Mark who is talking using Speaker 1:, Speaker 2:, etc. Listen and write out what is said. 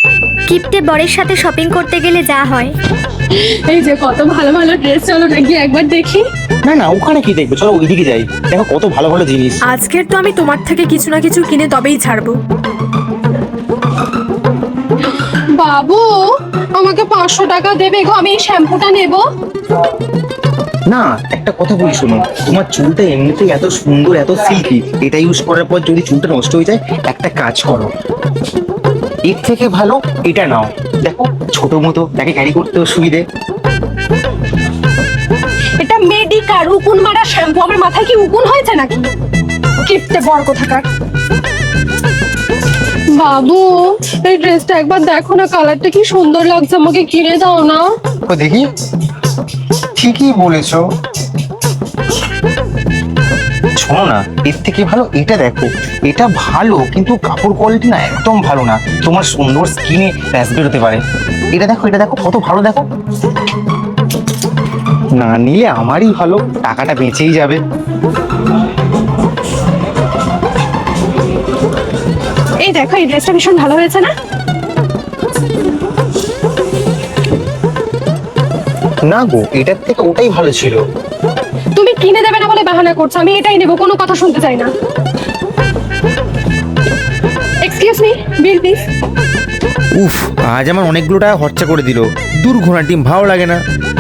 Speaker 1: কিপ্টে বরের সাথে শপিং করতে গেলে যা হয়।
Speaker 2: এই যে কত ভালো ভালো ড্রেস, চলো না গিয়ে একবার দেখি।
Speaker 3: না না, ওখানে কি দেখবে, চলো ওইদিকে যাই, দেখো কত ভালো ভালো জিনিস।
Speaker 2: আজকের তো আমি তোমার থেকে কিছু না কিছু কিনে তবেই ছাড়বো। বাবু, আমাকে 500 টাকা দেবে গো, আমি এই শ্যাম্পুটা নেব।
Speaker 3: না, একটা কথা বলি শোনো, তোমার চুলটা এমনিতেই এত সুন্দর, এত সিল্কি, এটা ইউজ করার পর যদি চুলটা নষ্ট হয়ে যায়, একটা কাজ করো, এর থেকে ভালো এটা নাও। দেখো ছোট মতো, তাকে ক্যারি করতেও সুবিধে।
Speaker 2: এটা মেডিকার উকুন মারা শ্যাম্পু, আমার মাথায় কি উকুন হয়েছে নাকি? কিপটে বর কোথাকার। বাবু, এই ড্রেসটা একবার দেখো না, কালারটা কি সুন্দর লাগছে, আমাকে কিনে দাও না।
Speaker 3: ও দেখি, ঠিকই বলেছো। শোনো না, এর থেকে ভালো এটা দেখো, এটা ভালো কিন্তু কাপড় কোয়ালিটি না একদম ভালো না, তোমার সুন্দর স্কিনে র্যাশ বেরোতে পারে। এটা দেখো, এটা দেখো কত ভালো, দেখো। না নিলে আমারই ভালো, টাকাটা বেঁচেই যাবে।
Speaker 2: এই দেখো, এই ড্রেসটা ভীষণ ভালো হয়েছে না?
Speaker 3: না গো, এটার থেকে ওটাই ভালো ছিল।
Speaker 2: তুমি কিনে দেবে না বলে বাহানা করছো, আমি এটাই নেবো, কোনো কথা শুনতে চাই না। Excuse me, bill please.
Speaker 4: উফ, আজ আমার অনেকগুলো টাকা খরচা করে দিল। দূর ঘোড়ার ডিম, ভালো লাগে না।